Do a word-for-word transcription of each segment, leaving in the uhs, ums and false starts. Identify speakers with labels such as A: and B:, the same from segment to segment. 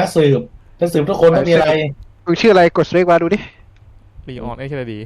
A: นักสืบนักสืบทุกคนต้องมีอะไร
B: มึงชื่ออะไรกดสเปคมาดูดิ
C: ลีออนไอ้เชลดี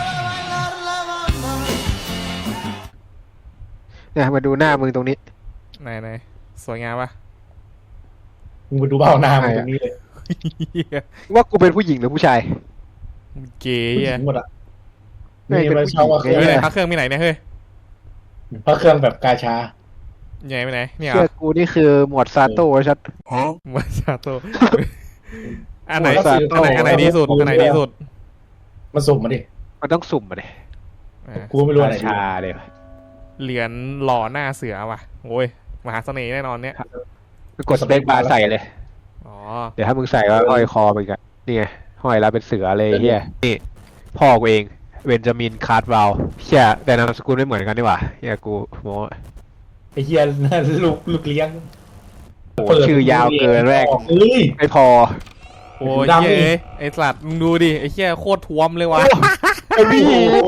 B: เนี่ยมาดูหน้ามึงตรงนี้
C: ไหนไหนสวยงามปะ
A: มึงไปดูเบ้าหน้ามึงตรงนี้เลย
B: ว่ากูเป็นผู้หญิงหรือผู้ชาย
C: เก๋
A: อะหมดอะ
B: ไม่เป็นผู้หญิง
C: ไม่ไหนพักเครื่องไม่ไหนเนี่ยเฮ้ย
A: พักเครื่องแบบกาชา
C: ใหญ่ไปไหนเนี่ย
B: เชื่อกูนี่คือหมวดซาโต้ชัด
C: หมวดซาโต้อันไหนอันไหนอันไหนดีสุดอันไหนดีสุด
A: มาสุ่มมาดิ
B: มันต้องสุ่มมาดิ
A: กูไม่รู้อะไร
B: ชาเลย
C: เหรียญหล่อหน้าเสือว่ะโอ้ยมหาเสน่ห์แน่นอนเนี่ย
B: กดสเปคบาร์ใส่เลย
C: อ๋อ
B: เดี๋ยวถ้ามึงใส่ก็ห้อยคอไปกันนี่ไงห้อยแล้วเป็นเสือเลยเฮียนี่พ่อกูเองเบนจามินคาร์ดวาลเชี่ยแต่นามสกุลไม่เหมือนกันดีกว่าเฮียกูโม้
A: ไอ้เฮียลูกลูกเลี้ยง
B: ชื่อยาวเกินแรกไม่พอ
C: โอ้ยไอ้สัตว์มึงดูดิไอ้เชี่ยโคตรท้วมเลยว่ะ
B: ไอ้พี่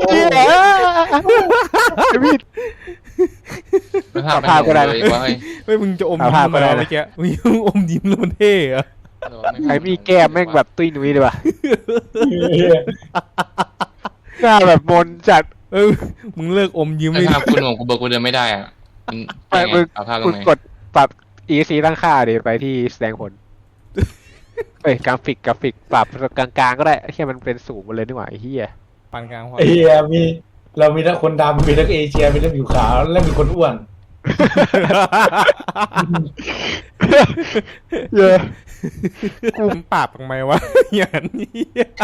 B: ไอ้พี่
D: ภาพก็ได้
C: ไม่มึงจะอมยิ้มมาเมื่อกี้มึงอมยิ้มแล้วมันเท่อะ
B: ไอ้พี่แก้มแม่งแบบตุ้ยนุ้ยเลยว่ะหน้าแบบมนจัด
C: เออมึงเลิกอมยิ้มเลย
D: ภาพคุณของกูเบิร์กูเดินไม่ได้อ่ะ
B: ไปมึงคุณกดปรับ อี ซี ตั้งค่าเดี๋ยวไปที่แสดงผลเอ้ยกราฟิกกราฟิกปรับกลางๆก็ได้แค่มันเป็นสูงมาเลยดีกว่าไอ้เหี้ย
C: ปานกลางพอ
A: ไอ้เหี้ยมีเรามีทั้งคนดำมีทั้งเอเชียมีทั้งผิวขาวและมีคนอ้วน
B: เยอะ
C: กูปราบทำไมวะอย่างนี้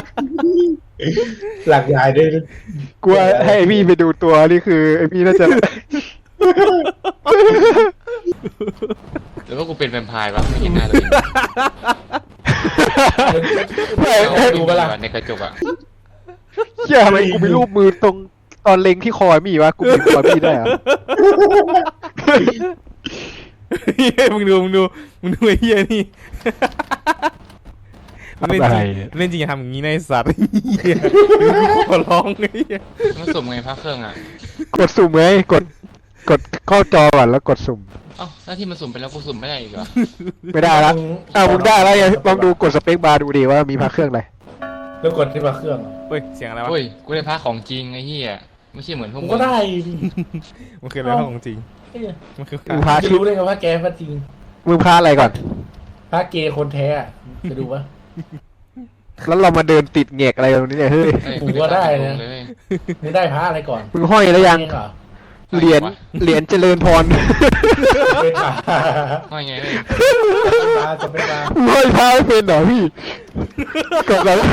A: หลักใหญ่ด้วย
B: กูให้ไอพี่ไปดูตัวนี่คือไอพี่น่าจะ
D: หรือว่ากูเป็นแวมไพร์วะไม่เห็นหน้าตัวเองดูเวลาในกระจกอ่ะ
B: เชี่ยทำไมกูมีรูปมือตรงตอนเล็งที่คอมีวะกูมีคอพี่ได้เหรอ
C: มึงดูมึงดูมึงดูไอ้เหี้ยนี่เล่นจริงเล่นจริงอย่าทำอย่างนี้ในสัตว์ขอร้องไอ้เหี้ย
D: มันสุ่มไงพักเครื่องอ่ะ
B: กดสุ่มไงกดกดเข้าจอก่อนแล้วกดสุ่ม
D: อ้าวหน้าที่มันสุ่มไปแล้วกูสุ่มไม่ได้อีกเหรอ
B: ไม่ได้แล้วอ้าวมึงได้แล้วยังลองดูกดสเปคบาร์ดูดิว่ามีพักเครื่องอะไร
A: แล้วกดที่พักเครื่อง
C: เฮ้ยเสียงอะไรวะ
D: เฮ้ยกูได้พักของจริงไอ้เหี้ยไม่ใช่เหมือนพวกมึง
A: ก็ได้
C: มันคืออะไรของจริง
A: มันคือพารู้ได้ไงว่าแกพาจริง
B: มึงพาอะไรก่อน
A: พาเกย์คนแท้จะดูปะ
B: แล้วเรามาเดินติดเงกอะไรตรงนี้เนี่ยเฮ้ย
A: กูก็ได้นะมึงได้พาอะไรก่อน
B: มึงห้อยแล้วยังเหรียญเหรียญเจริญพร
D: ห้อยไงเลย
A: จะเป็นมา
B: ห้อยพาไม่เป็นเหรอพี่กดแล้ว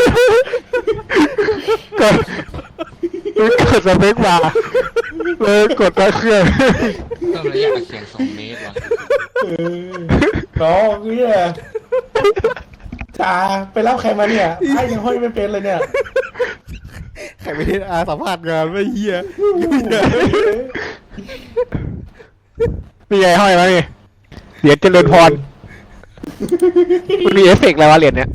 B: กดกดสเปคบาร์เลยกดตะเครื่อง
D: เพิ่มระยะเสียงสองเมตรว่ะ
A: น้องเนี่ยจ้าไปรับใครมาเนี่ยไอ้ยังห้อยไม่เป็นเลยเนี่ย
C: ใครไม่ได้อาสัมภาษณ์งานไม่เหี้ย
B: มีไงห้อยมาเนี่ยเหรียญเจริญพรมันมีเอฟเฟกต์อะไรวะเหรียญเนี้ย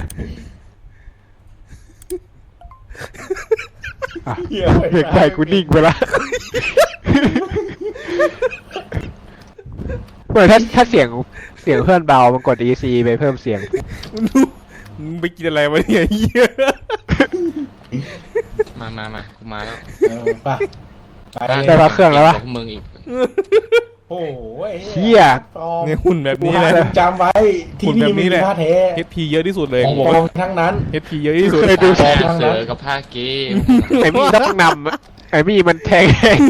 B: เด็กใส่กูนิ่งไปละเมื่อถ้าถ้าเสียงเสียงเพื่อนเบามันกด อี ซี ไปเพิ่มเสียง
C: มึงไปกินอะไรวะเนี่ยเหี้ย
D: มามามากูมาแล้ว
B: ได้พักเครื่องแล้ววะ
D: มึงอีก
A: โอ้ย
B: เชี่ย
C: เนี่ยหุ่นแบบนี้เลย
A: จำไว้ที่นี่มีผ้าแท้
C: เอช พี เยอะที่สุดเลย
A: ของปลอมทั้งนั้น
C: เอช พี เยอะที่สุด
B: เคยดู
D: เสือกับผ้าเกย์
B: ไอ้มี่ต้องนำไอ้มี่มันแทง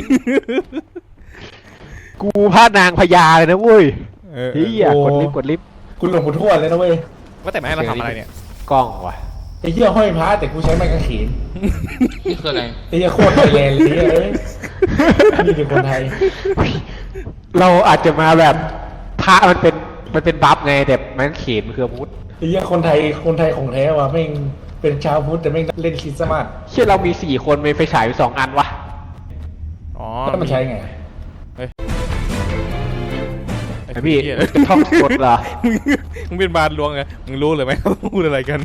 B: กูพาดนางพญาเลยนะเว้ยเฮียกดลิฟต์กดลิฟต์
A: คุณหลวงปู่ทวดเลยนะเว้ย
C: ว่าแต่ไม่ให้เราทำอะไรเนี่ย
B: กล้องว่ะ
A: ไอ้เหี้ยห้อยพระแต่กูใช้ไม้กางเขน
D: นี่คืออะไร
A: ไอ้เหี้ยโคตรไทยแลนด์เลยนี่เป็นคนไทย
B: เราอาจจะมาแบบพระมันเป็นมันเป็นบัฟไงแต่ไม้กางเขนมันคือพุทธ
A: ไอ้เหี้ยคนไทยคนไทยของแท้ว่ะแม่งเป็นชาวพุทธแต่แม่งเล่นคริสต์มาส
B: เชื่อเรามีสี่คนมีไฟฉายสองอันวะ
C: อ๋อ
A: แล้วมันใช้ไง
B: ไอพี่ท่องกดเหรอ
C: มึงเป็นบาลลวงไงมึงรู้เลยไหมเขาพูดอะไรกัน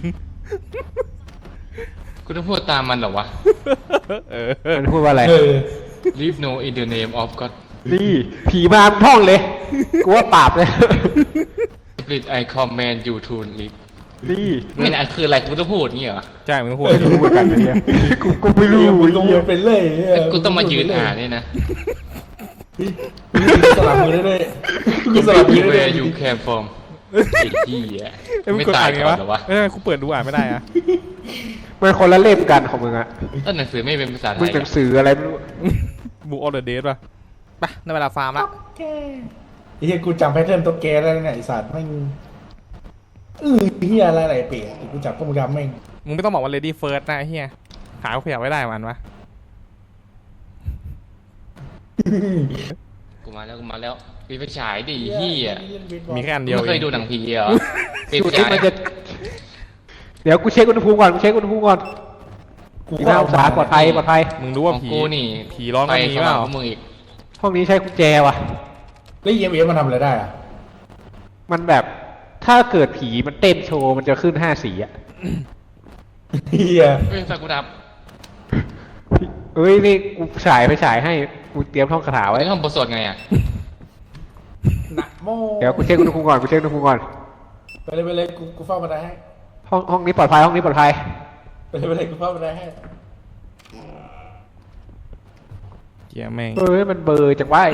D: กูต้องพูดตามมันเหรอวะ
B: มันพูดว่าอะไร
D: Leave no in the name of God
B: นี่ผีมาท่องเลยกูว่าปราบเลย
D: Split I command you to leave
B: นี่
D: ไม่น่ะคืออะไรกูต้องพูดงี้เหรอ
C: ใช่มึงพูด
B: ไม่รู้เหมือนกันนะเนี่ยกูกูไม่รู้
A: มึงต้องพูดเป็นเลยเหี้ย
D: กูต้องมายืนอ่านนี่นะ
A: มึงสลับมือได้ด้วยมึงสลับมือได้ด้วย
D: Where you came from ไอ้ที่อ่ะ
C: เอ้ยมึง
D: ไม่
C: กด
D: ตา
C: อ่าย นไง
D: ก่อ
C: วะ
D: นเหรอวะ
C: เอ้ยกูเปิดดูอ่านไม่ได้อะ
B: มันคนละเล่มกันของมึงอะ
D: ต้นหนังสือไม่เป็นภาษาไท
B: มึง
D: ย
B: หนังสืออะไรไม่รู้
C: บูออเดอร์เดทป่ะไปในเวลาฟาร์มละ
A: ไอ้เหี้ยกูจำแพทเทิร์นตัวแกได้แล้วเนี่ยไอ้สัตว์แม่งเออเหี้ยอะไรอะไรเปียกกูจับพวกมึงจำแม่ง
C: มึงไม่ต้องบอกว่า lady first นะไอ้เฮียขาเขาขยับไว้ได้มันวะ
D: กูมาแล้วกูมาแล้วปีไฟฉายดิเฮีย
C: มีแค่อัน
D: มึ
C: เดี
D: ง
C: ยว
D: ไม่เคย
C: เอง
D: ดูหนังผีเหรอปี
B: ดู
D: ไฟ
B: ที่
D: ฉาย
B: มันจะเดี๋ยวกูเช็คอุณหภูมิก่อนกูเช็คอุณหภูมิก่อน
A: กู
B: กี่หน้าองศาปลอดภัยปลอดภัย
C: มึงรู้ว่า
D: ของ
C: ผี
D: กูนี่
C: ผีร้อน
D: ไป
C: มันมี
D: เข้า
C: เป
D: มา
C: ล่า
D: พวกมึงอีก
B: ห้องนี้ใช้กุญแจว่ะ
A: แล้วเอ็มเอ็มมันทำอะไรได้อะ
B: มันแบบถ้าเกิดผีมันเต้นโชว์มันจะขึ้นห้าสีอะ
A: เหี้ย
D: เฮ้ยสักกูดับ
B: เอ้ยนี่กูฉายไปฉายให้กูเตรียมท่องคาถาไว้
D: ไอ้ห้องบทสวดไงอ่ะ
A: นะโม
B: เดี๋ยวกูเช็คอุณหภูมิก่อนกูเช็คอุณหภูมิก่อน
A: ไปเลยไปเลยกูกูเฝ้าบันไดให้
B: ห้องห้องนี้ปลอดภัยห้องนี้ปลอดภัย
A: ไปเลยไปเลยกูเฝ้าบันไดให้
C: เฮียแม่ง
B: เอ้ยมันเบลอร์จังวะ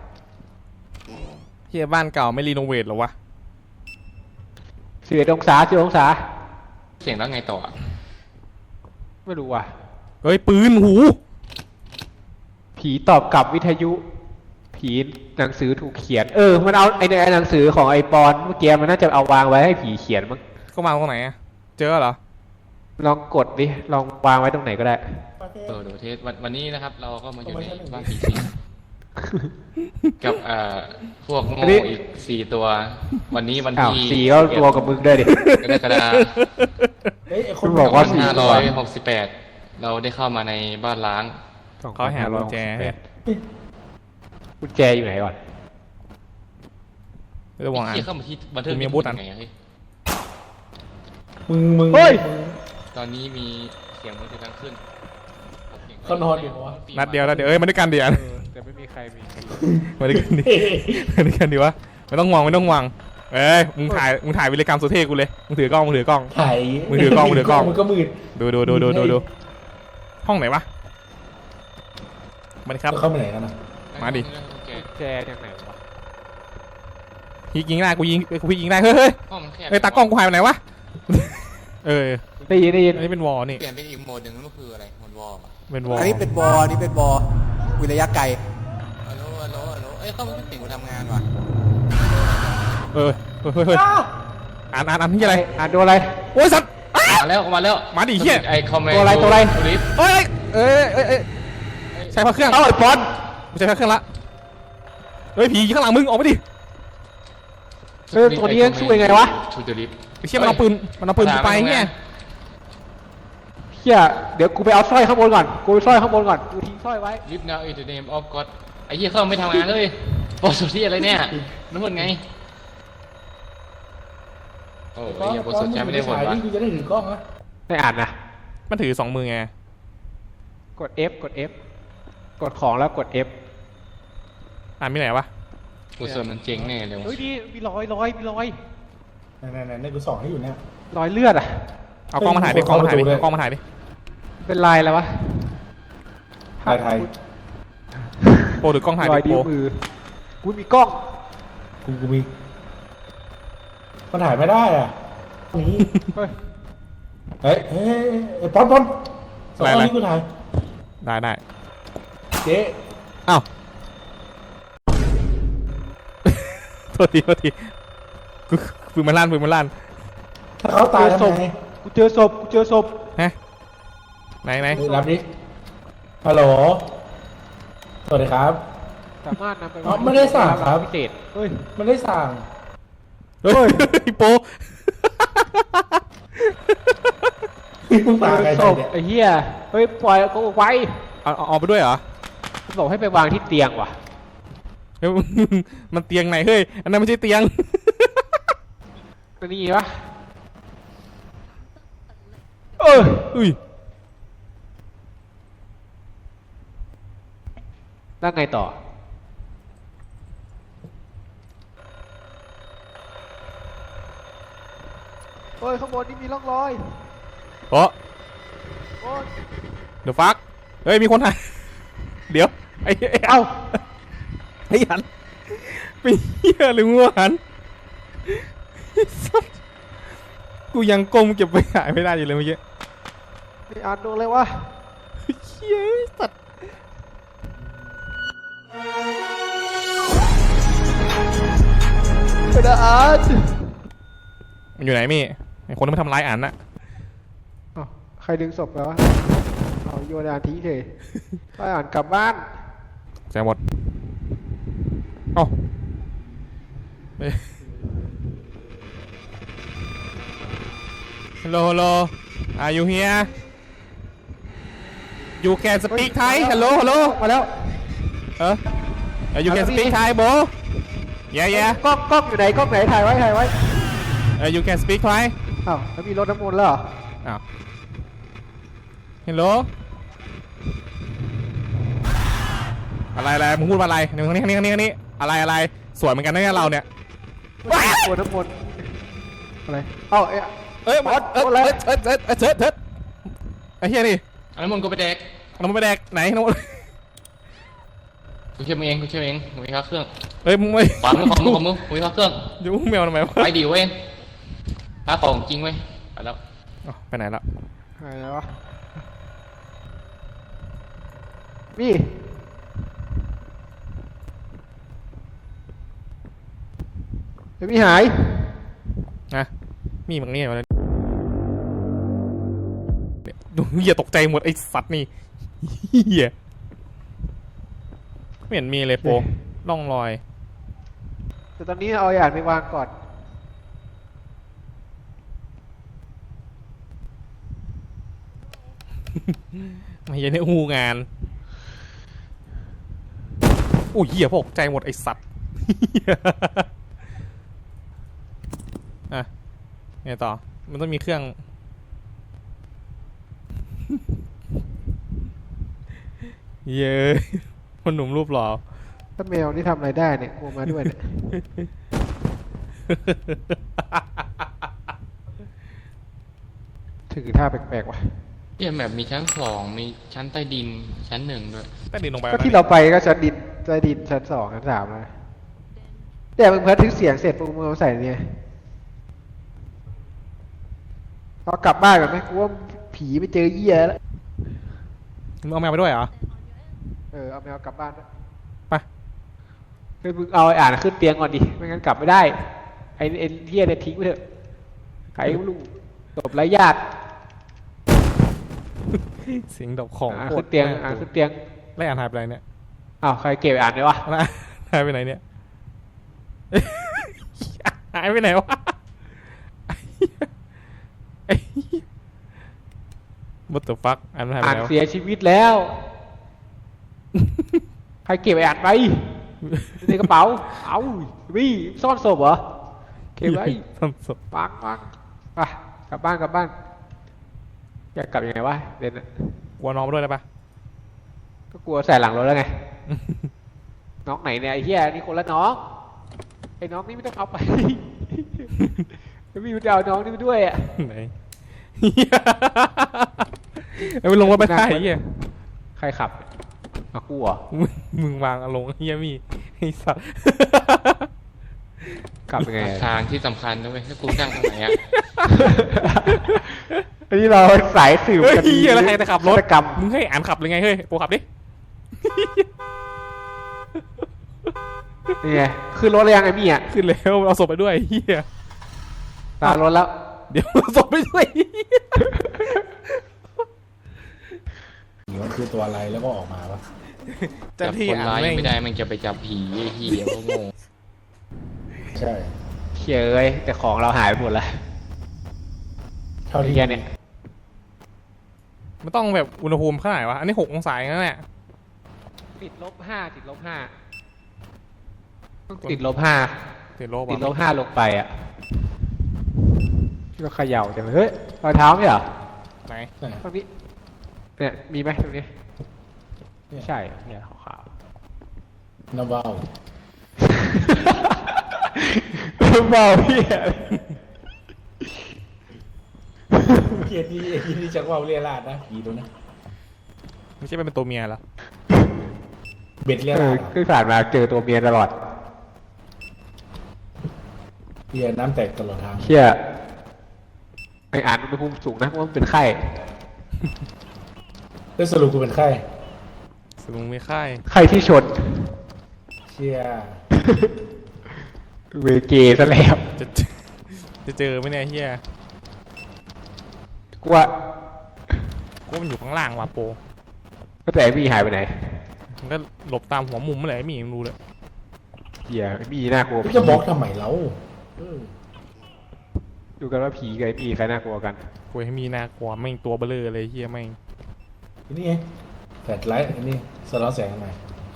C: เฮียบ้านเก่าไม่รีโนเวทหรอวะ
B: สิบเอ็ดองศาสิบองศา
D: เสียงแล้วไงต่ออะ
B: ไม่รู้ว่ะ
C: เฮ้ยปืนหู
B: ผีตอบกลับวิทยุ ผีหนังสือถูกเขียน เออ มันเอาไอ้เนี่ยไอ้หนังสือของไอปอนเมื่อกี้มันน่าจะเอาวางไว้ให้ผีเขียนมั้ง
C: ก็มาตรงไหนอะเจอเหรอ
B: ลองกดดิ ลองวางไว้ตรงไหนก็ได้
D: เออเดี๋ยวเทสวันวันนี้นะครับ เราก็มาอยู่ในบ้านผีสิงกับเอ่อพวกโง่อีกสี่ตัว วันนี้วัน
B: อ้าว
D: ที่
B: สีก็รวมกับมึงด้วยดิ
D: กรกฎาคม
A: เฮ้ยไอ้คน
B: บอกว่า
D: ห้าร้อยหกสิบแปดเราได้เข้ามาในบ้านล้าง
C: เขาหากุญแจให้
B: กุญแจอยู่ไหนก่อน
C: ไม่ต้องวางอ่ะ
D: ไอ้เหี้ยเข้ามาที่บันเทิง
C: มีอาวุธอัน
D: ไงอะเฮ้ย
A: มึงมึง
B: เฮ้ย
A: มึง
D: ตอนนี้มีเสียงมือถือดังขึ้น
A: เขานอนอยู่วะ
C: นัดเดียวนัดเดียวเอ้ยมาด้วยกันเดียว
B: แต่ไม่มีใครมี
C: มาด้วยกันดิมาด้วยกันดีวะไม่ต้องวางไม่ต้องวางเอ้ยมึงถ่ายมึงถ่ายวิรกรรมสุเทพกูเลยมึงถือกล้องมึงถือกล้อง
A: ถ่าย
C: มือถือกล้องมือถือกล้อง
A: มึงก็มืด
C: ดูดูดูดูดูดูห้องไหนวะมาดิครับ
A: เข้าไปไหนกันนะ
C: มาดิ
B: กุญแจจากไหนวะ
C: ยิงยิงได้กูยิงกูยิงได้เฮ้ยเฮ้ย
D: ห้องมันแคบ
C: เอ้ยตากล้องกูหายไปไหนวะเออ
B: ได้ยินได้ยิน
C: อันนี้เป็นวอลนี่
D: เปลี่ยนเป็นอีกโหมดหนึ่งนั่นก็คืออะไรโหมดวอลอะ
C: เป็นวอล
E: อันนี้เป็นบออันนี้เป็นบอวิระยะไกล
D: ฮัลโหลฮัลโหลฮัลโหลเอ้ยเข้ามาไม่ติดกูทำงานว่ะ
C: เออเฮ้ยเฮ้ยเฮ้ยอ่านอ่านอ่านที่อะไร
B: อ่านดูอะไร
C: โอ้ยสัตว์
D: มาแล้วมาแล้ว
C: มาดิเหี้ย
D: ไอคอมเมนต์
B: ตัวอะไรตัวอะไร
D: ลิฟ
C: เอ้ยเอ้ยเอ้ยเอ้ยใช้พระเครื่อง
B: เอ้าไอปอน
C: กูใช้พระเครื่องละเฮ้ยผีข้างหลังมึงออกไปดิ
B: เออตัวนี้ช่วยไงวะ
D: ชูเดลิฟ
C: ไอ้เชี่ยมันเอาปืนมันเอาปืนกูไปเงี้ย
B: เฮียเดี๋ยวกูไปเอาสร้อยข้างบนก่อน กูไปสร้อยข้างบนก่อน กูทิ้งสร้อยไว้
D: ลิฟนาอินเดเนมออฟก็อดไอ้เหี้ยเข้าไม่ทำงานเลยโปรสุที่อะไรเนี่ยนั่นมันไงโอ้ยไอ้เหี้ยโปรสุใช้ไม่ได้ผล
A: ถ่ายว
D: ะ
A: นี่กูจะได้ถือกล้องนะ
B: ไม่อ่านนะ
C: มันถือสองมือไง
B: กด F กด F กดของแล้วกด F
C: อ่านมีไหนวะ
D: โปรสุมันเจ๋งแน่เลย
B: เฮ้ยนี่มีรอยรอยมีรอย
A: ไหนไหนไหนกูส่องให้อยู่เนี่ย
B: รอยเลือดอ่ะ
C: เอากล้องมาถ่ายดิกล้องมาถ่ายดิ
A: เข้าประตูด้วย
C: กล้องมาถ่ายดิ
B: เป็นลายอะไรวะ
A: ถ่ายถ่าย
C: โปรถือกล้องถ่าย
B: รอย
C: ดิ
B: นิ้
C: โป
B: ว
C: ร
B: มือ กูมีกล้อง
A: กูกูมีมันถ่ายไม่ได้อ่ะนี่
B: เฮ้ย
A: เฮ้ยเฮ้ยเฮ้ยป๊อนป๊อนสองคนนี้กูถ่าย
C: ได้ได้
A: เจ๊
C: อ้าวโทษทีโทษทีกูปืนมันลั่นปืนมันลั่น
A: ถ้าเขาตายทำไง
B: กูเจอศพ กูเจอศพ
C: ฮะไหนไหน
A: เฮ้ยรับดิฮัลโหลสวัสดีครับ
B: สามารถนำไป
A: อ๋อไม่ได้สั่งครับ
B: พิเศษเฮ้ย
A: มันได้สั่ง
C: เฮ้ยโปร
A: มึงตายใคร
B: ศพ
A: เนี่ย
B: ไอ้เหี้ย เฮ้ย ปล่อยกูไว้
C: เอาเอาเอาไปด้วยเหรอ
B: กูบอกให้ไปวางที่เตียงว่ะ
C: เฮ้ยมันเตียงไหนเฮ้ยอันนั้นไม่ใช่เตียง
B: ตัวนี้วะเออ
C: อุ้ย
B: แล้วไงต่อโอ้ยข้างบนนี่มีร่องรอย
C: โอ้
B: โอ้ย
C: เดี๋ยวฟักเฮ้ยมีคนถ่ายเดี๋ยวไอ้ไอ้
B: เอ้า
C: ไอ้หันเป็นเหี้ยหรืองัวหันกูยังก้มเก็บไปหายไม่ได้อยู่เลยเมื่อกี้
B: ไม่อ่านดูเลยวะ
C: เหี้ยสัตว์
B: ไม่ได้อ่าน
C: มันอยู่ไหนมี่ไอ้คนที่มาทำร้ายอ่านน่ะ
B: อ้าวใครดึงศพไปวะเอาโยนอ่านทิ้งเลยไปอ่านกลับบ้าน
C: แซงหมดเอ้าไป Hello hello Are you here You can speak Thai Hello hello
B: มาแล้ว
C: เออ You can speak Thai bro Yeah yeah
B: กล้องกล้องอยู่ไหนกล้องไหนถ่ายไว้ถ่ายไว้
C: เออ You can speak Thai
B: อ้าวแล้วมีรถน้ำมนต์แล้วเหรอ
C: อ้าว Hello อะไรอะไรมึงพูดว่าอะไรนี่ข้างนี้ข้างนี้ข้างนี้ข้างนี้อะไรอะไรสวยเหมือนกันนะเนี่ยเราเนี่ย
B: ตัวน้ำมนต์อะไรเอ้าเอ๊ะ
C: เอ้ย
B: บอส
C: เอ้ย
B: บอสอะไร
C: เอ้ยเอ้ยเอ้ยเอ้ยเอ้ยเอ้ยไอ้เหี้ยนี่
D: อันนั้นมึงก็ไปแดก
C: น้ำมันไปแดกไหนน้ำมัน
D: กูเชื่อมึงเองกูเชื่อมึงเองมึงมีค่าเครื่อง
C: เอ้ยมึงไม่
D: ขวามือของมึงของมึงมึงมีค่าเครื่อง
C: อยู่แมวทำไมวะ
D: ไปดิเว้ยค่าของจริงเว้ยไปแล้ว
C: อ๋อไปไหนละ
B: อะไรวะนี่เดี๋ยวมีหาย
C: นะมีมึงนี่มาเลยเนี่ยดูเหี้ยตกใจหมดไอ้สัตว์นี่เหี้ยไม่เห็นมีเลยโปร่องรอย
B: แต่ตอนนี้เอาอย่างไปวางก่อน
C: ไม่ใช่ในอูงานโอ้ยเหี้ยตกใจหมดไอ้สัตว์ อ่ะไงต่อมันต้องมีเครื่อง เย้คนหนุ่มรูปหล่อ
B: ถ้าแมวนี่ทำอะไรได้เนี่ยกลัวมาด้วยเนี่ย ถือท่าแปลกๆว่ะ
D: เยี่ยแบบมีชั้นสองมีชั้นใต้ดินชั้นหนึ่งด้วย
C: ใต้ดินลงไป
B: ก็ที่เราไปก็ชั้นดินใต้ดินชั้นสองชั้นสามแล้วแต่มึงพัดทึกเสียงเสร็จปุ๊บมึงเอาใส่เนี่ยเรากลับบ้านกันไหมกูว่าผีไปเจอเหี้ยแล้ว
C: มึงเอาแมวไปด้วยเหรอ
B: เออเอาแมวกลับบ้านด้วย
C: ไป
B: เฮ้ยมึงเอาไอ้อ่านขึ้นเตียงก่อนดิไม่งั้นกลับไม่ได้ไอ้ไอ้เหี้ยเนี่ยทิ้งไปเถอะใครไม่รู้จบไร้ญาติ
C: เสียงดอกของ
B: อ่าน
C: โค
B: ขึ้
C: ต
B: น
C: ร
B: เตียงอ่านขึ้นเตียง
C: ไล่อ่านหายไปไหนเนี่ย
B: อ้าวใครเก็บอ่านไว้วะ
C: นะหายไปไหนเนี่ย หายไปไหนวะไอ้บัตเตอร์ฟักอ่านหายไป
B: อ่าน
C: ไหนวะ
B: เสียชีวิตแล้ว ใครเก็บไอ้อ่านไปในกระเป๋าเอาวี่ซ่อนศพเหรอเก็บไว้
C: ซ่อนศพ
B: ปังปังไปกลับบ้านกลับบ้านอยากกลับยังไงวะเด่นอะ
C: กลัวน้องมาด้วยได้ปะ
B: ก็กลัวใส่หลังรถแล้วไง น้องไหนเนี่ยไอ้เหี้ยนี่คนละน้องไอ้น้องนี่ไม่ต้องเอาไป ไม่มีจะเอาน้องนี่ไปด้วยอ่ะ
C: ไหนเอาไปลงรถไปได้เฮีย
B: ใครขับเอากูเหรอ
C: มึงมึงวางอารมณ์เฮียมีไอ้สัส
B: กลับยังไงอะ
D: ทางที่สำคัญนะเว้ยถ้ากูนั่งตรงไหนอะ
B: อันนี้เราสายสืบ
C: เฮ้ย
B: คดี
C: เฮียแล้วใครจะขับรถ
B: ฆาตกรรม
C: มึงให้อ่านขับเลยไงเฮ้ยโปรขับดิ
B: นี่ไงขึ้นรถเลยยังไงมี่อ่ะ
C: ขึ้นแล้วเอาศพไปด้วยเฮีย
B: ตามรถแล้ว
C: เดี๋ยวเอาศพไปด้วย
A: มันคือตัวอะไรแล้วก็ออกมาปะ
C: จั
D: จับ
C: ที่
D: คน
C: อ่าน
D: ร้าย
C: แม่
D: ยัง
C: ง
D: ไม่ได้มันจะไปจับผีไอ้เหี้ยพวกโง่
A: ใช่
B: เขียเอ้ยแต่ของเราหายไปหมดแล้ว
A: เท่าที่
B: เฮียเนี่ย
C: มันต้องแบบอุณหภูมิเท่าไหร่วะอันนี้หกองศาอย่างนั้นแหละ
B: ติดลบห้าติดลบห้าต้องติดลบห้า
C: ติดลบ
B: ติดล
C: อ่ะ
B: บห้าลงไปอ่ะที่เราเขย่าจังเลยเฮ้ยรอยเท้าไม่เหรอ
C: ไหน
B: ตรงนี้เนี่ยมีไหมตรงนี้ไม่ใช่เนี่ยขาว
A: น้ำเบ้า
B: ๆเบาพี่
A: เกียรติไอ้ที่จักว่าเรียราดนะผีตัวนี้
C: ไม่ใช่เป็นตัวเมียเหรอ
A: เบ็ดเรีย
B: เอ
A: รา
B: อ
A: ด
B: คือผ่านมาเจอตัวเมียตลอด
A: เฮียน้ำแตกตลอดทาง
B: เชี่ยไออ่านอุณหภูมิสูงนะเพราะว่ามันเป็นไข้
A: แล้วสรุปกูเป็นใคร
C: สมมติไม่ค่าย
B: ไข้ที่ชน
A: เชีย
B: เวเกซะแล้ว
C: จะจะเจอไหมเนี่ยเฮีย
B: กูว่า
C: กูว่ามันอยู่ข้างล่างว่ะโป
B: ก็แต่ไอ้มีหายไปไหน
C: มันก็หลบตามหัวมุมเมื่อไหร่ไม่มีมันรู้เลย
B: เหี้ยไอ้มีน่ากลัว
A: กูจะบล็อกทำไมเราเออ
B: ดูกันว่าผีกับไอ้มีใครน่ากลัวกัน
C: กูให้มีน่ากลัวแม่งตัวเบลอเลยเฮียแม่ง
A: ทีนี่ไงแฟลชไลท์อันนี้สะท้อนแสงทำไม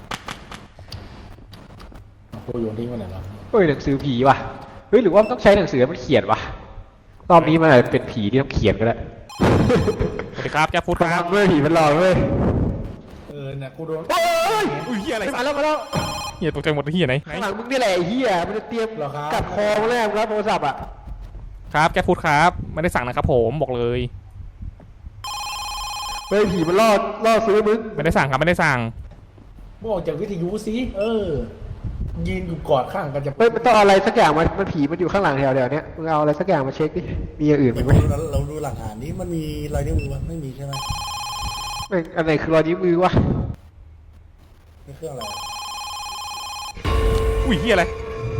A: เอากูโยนทิ้งไว้ไหนวะ
B: เฮ้ยหนังสือผีว่ะเฮ้ยหรือว่ามันต้องใช้หนังสือมันเขียนวะรอบนี้มันอาจจะเป็นผีที่ต้องเขียนก็ได้
C: สวัสดีครับแจ๊บฟูดครับ
B: เว้ยผีมันหลอกเว้ย
A: เออเนี่ยกูโดน
C: อุ้ยเฮียอะไร
B: มาแล้วมาแล้ว
C: เฮียตกใจหมดเฮียไหนไหน
B: ข้างหลังมึงนี่แหละไอ้เหี้ยมันจะเตรียมกัดคอมาแล้วมึงรับโทรศัพท์อ่ะ
C: ครับแจ๊บฟูดครับไม่ได้สั่งนะครับผมบอกเลย
B: เฮ้ยผีมันล่อล่อซื้อมึง
C: ไม่ได้สั่งครับไม่ได้สั่ง
A: บอกจากวิทยุสิเออยืนอยู่กอดข้างกันจะ
B: เฮ้ยมันต้องเอาอะไรสักอย่างมามันผีมันอยู่ข้างหลังแถวเดียวเนี้ยมึงเอาอะไรสักอย่างมาเช็คดิมีอย่างอื่นไหม
E: เราเราดูหลักฐานนี้มันมีรอยนิ้วมือมั้ยไม่มีใช่ไหม
B: ไม่อันไหนคือรอยนิ้วมือวะ
E: นี่เครื่องอะไร
C: อุ้ยเฮียอะไร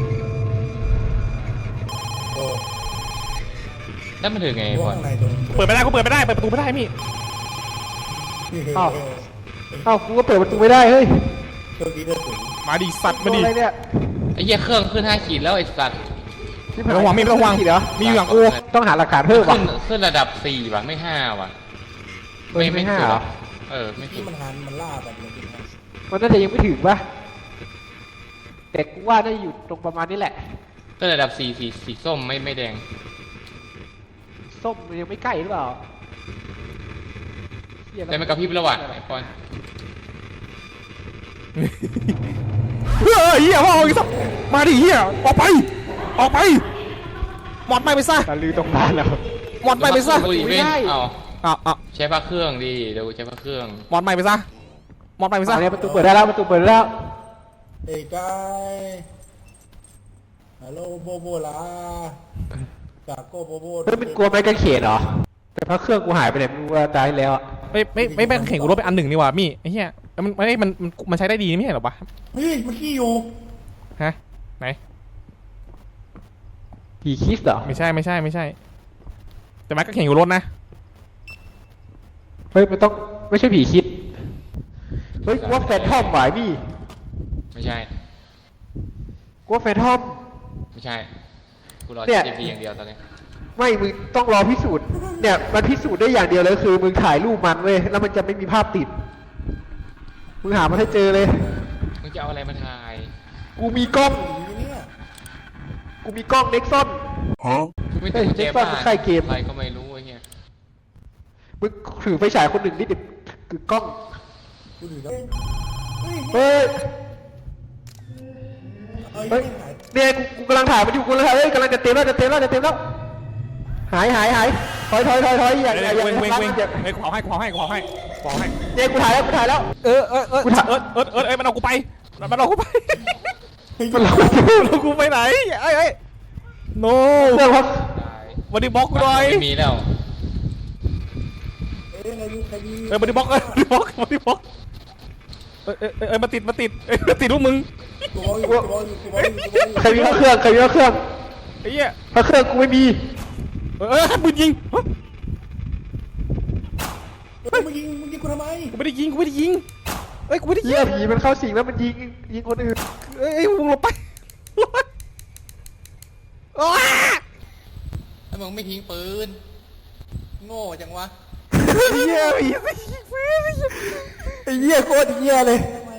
E: โอ้
D: แล้วมันถึงไง
E: พวก
D: บอล
E: ข้างในตรง
C: เปิดไม่ได้กูเปิดไม่ได้เปิดประตูไม่ได้มี่
B: เอ้าเอ้ากูก็เปิดประตูไม่ได้เฮ้ย
E: เครื่องนี้เลือดสูง
C: มาดิสัตว์มาดิ
B: อะไรเนี่ย
D: ไอ้เหี้ยเครื่องขึ้นห้าขีดแล้วไอ้สัตว์
C: ไม่ต้องห่วงมี่ไม่ต้องห่วง
B: เหรอ
C: มีอยู่อย่างกู
B: ต้องหาหลักฐานเพิ่มว่ะ
D: ขึ้นขึ้นระดับสี่ว่ะไม่ห้าว่ะ
B: เฮ้ยไม่ห้า
D: สุด
B: เหรอ
D: เออไม่สุ
E: ที่
D: ด
E: มันหันมันล่าแบบเลยจริงนะ
B: มันน่าจะยังไม่ถึงปะแต่กูว่าน่าจะอยู่ตรงประมาณนี้แหละ
D: ขึ้นระดับสี่สีสีส้มไม่ไม่แดง
B: ส้มมันยังไม่ใกล้หรือเปล่าเหี้ย
D: แต่มันกระพริบแล้วว่ะไอ้ปอน
C: เฮ้ยเฮียว่าเอาอีกสักมาดิเฮียออกไปออกไปหมดไปไปซะ
B: ตาลือตรงนั้นแล้ว
C: หมดไปไปซะ
D: ดูดิ
B: ไม่
D: เว้น
B: ได้
D: เอา
C: อ้าวอ้าว
D: ใช้พระเครื่องดิเดี๋ยวใช้พระเครื่อง
C: หมดไปไปซะหมดไปไปซะ
B: อันนี้ประตูเปิดได้แล้วประตูเปิดได้แล้ว
E: เอ้ยกายฮัลโหลโบโบลาจากโกโบโบ
B: เฮ้ยมันกลัวไม้กางเขนเหรอแต่พระเครื่องกูหายไปไหนไม่รู้ว่าตายแล้วอะ
C: ไม่ไม่ไม่ไม่เข่งกูรถไปอันหนึ่งนี่หว่ามี่ไอ้เหี้ยมันมันมันมันมันใช้ได้ดีไม่ใช่หรอปะ
E: เฮ้ยมันขี้อยู่
C: ฮะไหน
B: ผีคิสเหรอ
C: ไม่ใช่ไม่ใช่ไม่ใช่ แต่มันก็เข่งอยู่รถนะ
B: เฮ้ยมันต้องไม่ใช่ผีคิดเฮ้ยกูว่าแฟนทอมหวายพี่
D: ไม่ใช่
B: กูว่าแฟนทอม
D: ไม่ใช่กูรอ
B: เนี่
D: เจ็
B: ย
D: ดปีอย่างเดียวตอนนี้
B: ไม่มึงต้องรอพิสูจน์เนี่ยมันพิสูจน์ได้อย่างเดียวเลยคือมึงถ่ายรูปมันเว้ยแล้วมันจะไม่มีภาพติดมึงหามันให้เจอเลย
D: มึงจะเอาอะไรมาถ่าย
B: กูมีกล้อง
E: อยู่เนี่ย
B: กูมีกล้องเน็กซอน
D: กูไม่
B: เฮ้
D: ติ
B: ย
D: ดกุญแจ
B: เด็กซ่อน
D: บ้าน
B: ใกล้เกม
D: อะไรก็ไม่รู้ไอ้เหี้ย
B: มึงถือไฟฉายคนหนึ่งนิดเดียวคือกล้อง
E: กูถือแล้วเฮ้ย
B: เฮ้ย
E: เฮ้ย
B: เฮ้ย
E: หาย
B: เนี่ยกูกูกำลังถ่ายมันอยู่กูเลยเฮ้ยกำลังจะเต็มแล้วจะเต็มแล้วจะเต็มแล้วหายหายหายถอยถอยถอยถอยอย่าอย่าอย่า
C: เว้งเว้งเว้ง
B: อย่า
C: เฮ้ยขอให้ขอให้ขอให้ขอให้
B: เนี่ยกูถ่ายแล้วกูถ่ายแล้ว
C: เออเออเออ
B: กูถาม
C: เออเออเออเออมันเอากูไปมันเอากูไป
B: มันหลอก
C: มันเอากูไปไหนไอ้ไอ้ no
B: เรื่องครับ
D: ตาย
C: วันนี้บล็อกกูหน่อย
D: ไม่มีแล้ว
E: เอ้ยใครมีใครมี
C: เออวันนี้บล็อกเออวันนี้บล็อกวันนี้บล็อกเออเออเออมาติดมาติดเออมาติดพวกมึง
E: กูบอกอยู่กูบอกอยู่กูบอกอยู่กูบอกอยู่
B: ใครมีพระเครื่องใครมีพระเครื่อง
C: ไอ้เหี้ย
B: พระเครื่องกูไม่มี
C: เออเออให้ปืนยิงฮะ
E: เฮ้ยมึงยิงมึงยิงกูทำไม
C: กูไม่ได้ยิงกูไม่ได้ยิงเอ้ยกูไม่ได้ยิ
B: เหี้
C: ง
B: ยผีมันเข้าสิงแล้วมันยิงยิงคนอื่น
C: เอ้ยเอ้ยมึงหลบไปหลบไปอ้า
D: แล้วมึงไม่ทิ้งปืน โง่จังวะ
C: เหี้ยผีสิ
E: ไอ้เหี้ยโคตรเหี้ยเลย
D: ไ